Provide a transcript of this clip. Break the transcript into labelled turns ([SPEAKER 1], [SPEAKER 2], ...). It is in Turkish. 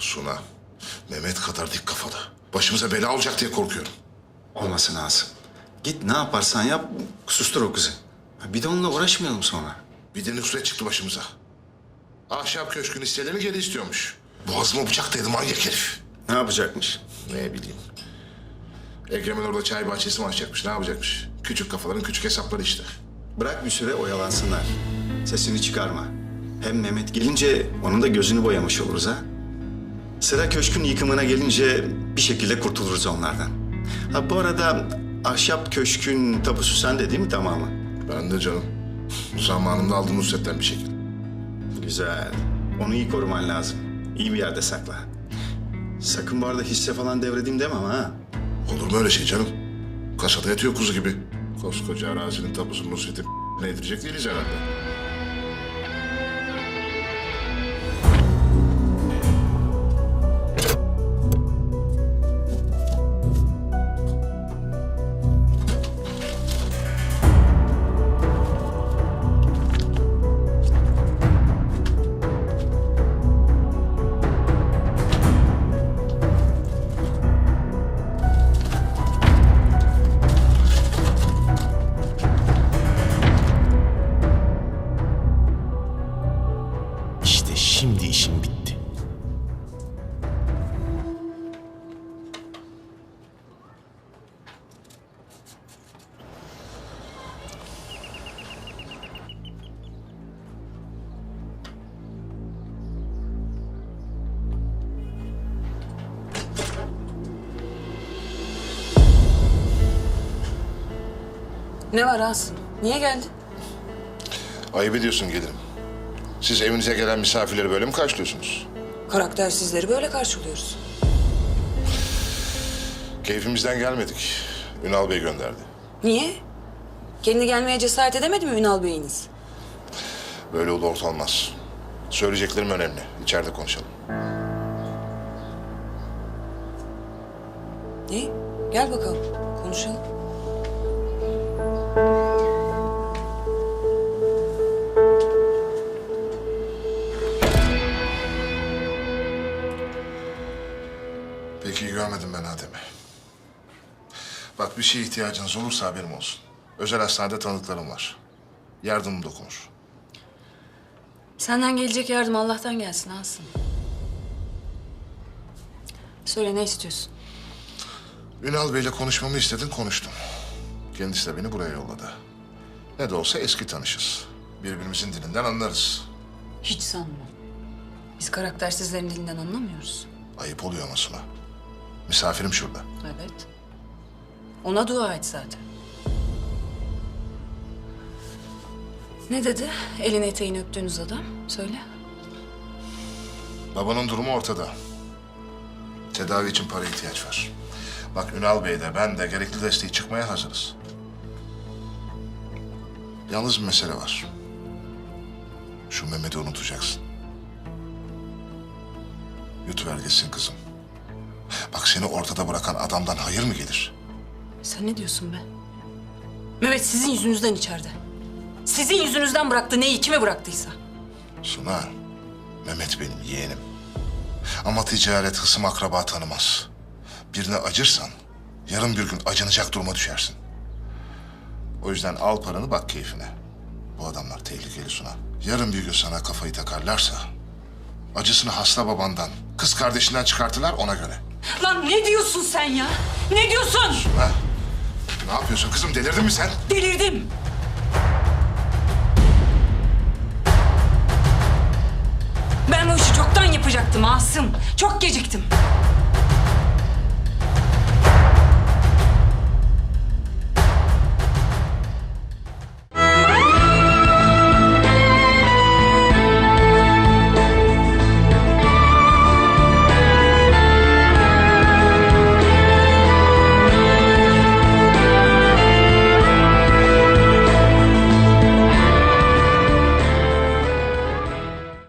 [SPEAKER 1] Suna, Mehmet kadar dik kafalı. Başımıza bela olacak diye korkuyorum.
[SPEAKER 2] Olmasın Asım. Git ne yaparsan yap, sustur o kızı. Bir de onunla uğraşmayalım sonra.
[SPEAKER 1] Bir de Nusret çıktı başımıza. Ahşap köşkün hisselerini geri istiyormuş. Boğazıma bıçak dayadı manyak herif.
[SPEAKER 2] Ne yapacakmış?
[SPEAKER 1] Ne bileyim. Ekrem'in orada çay bahçesi mi açacakmış, ne yapacakmış? Küçük kafaların küçük hesapları işte.
[SPEAKER 2] Bırak bir süre oyalansınlar. Sesini çıkarma. Hem Mehmet gelince onun da gözünü boyamış oluruz ha. Sıra köşkün yıkımına gelince bir şekilde kurtuluruz onlardan. Ha bu arada ahşap köşkün tapusu sende değil mi tamamı?
[SPEAKER 1] Ben de canım. Zamanında aldım Nusret'ten bir şekil.
[SPEAKER 2] Güzel. Onu iyi koruman lazım. İyi bir yerde sakla. Sakın bu arada hisse falan devredeyim deme ama ha.
[SPEAKER 1] Olur mu öyle şey canım? Kasada yatıyor kuzu gibi. Koskoca arazinin tapusunu Nusret'e ne edilecek değiliz herhalde.
[SPEAKER 3] İşte şimdi işim bitti.
[SPEAKER 4] Ne var Asım? Niye geldin?
[SPEAKER 1] Ayıp ediyorsun gelirim. Siz evinize gelen misafirleri böyle mi karşılıyorsunuz?
[SPEAKER 4] Karaktersizleri böyle karşılıyoruz.
[SPEAKER 1] Keyfimizden gelmedik. Ünal Bey gönderdi.
[SPEAKER 4] Niye? Kendi gelmeye cesaret edemedi mi Ünal Bey'iniz?
[SPEAKER 1] Böyle ulu orta olmaz. Söyleyeceklerim önemli. İçeride konuşalım.
[SPEAKER 4] İyi, gel bakalım. Konuşalım.
[SPEAKER 1] Pek iyi görmedim ben Adem'i. Bak bir şeye ihtiyacınız olursa haberim olsun. Özel hastanede tanıdıklarım var. Yardımım dokunur.
[SPEAKER 4] Senden gelecek yardım Allah'tan gelsin Asım. Söyle ne istiyorsun?
[SPEAKER 1] Ünal Bey'le konuşmamı istedin, konuştum. Kendisi de beni buraya yolladı. Ne de olsa eski tanışız. Birbirimizin dilinden anlarız.
[SPEAKER 4] Hiç sanmam. Biz karaktersizlerin dilinden anlamıyoruz.
[SPEAKER 1] Ayıp oluyor ama Suna. Misafirim şurada.
[SPEAKER 4] Evet. Ona dua et zaten. Ne dedi? Elini eteğini öptüğünüz adam. Söyle.
[SPEAKER 1] Babanın durumu ortada. Tedavi için para ihtiyaç var. Bak Ünal Bey de ben de gerekli desteği çıkmaya hazırız. Yalnız bir mesele var. Şu Mehmet'i unutacaksın. Yutuver gitsin kızım. Bak seni ortada bırakan adamdan hayır mı gelir?
[SPEAKER 4] Sen ne diyorsun be? Mehmet sizin yüzünüzden içeride. Sizin yüzünüzden bıraktı neyi kime bıraktıysa.
[SPEAKER 1] Suna, Mehmet benim yeğenim. Ama ticaret hısım akraba tanımaz. Birine acırsan yarın bir gün acınacak duruma düşersin. O yüzden al paranı bak keyfine. Bu adamlar tehlikeli Suna. Yarın bir gün sana kafayı takarlarsa acısını hasta babandan, kız kardeşinden çıkartırlar ona göre.
[SPEAKER 4] Lan ne diyorsun sen ya? Ne diyorsun?
[SPEAKER 1] Ha? Ne yapıyorsun kızım, delirdin mi sen?
[SPEAKER 4] Delirdim. Ben bu işi çoktan yapacaktım Asım. Çok geciktim.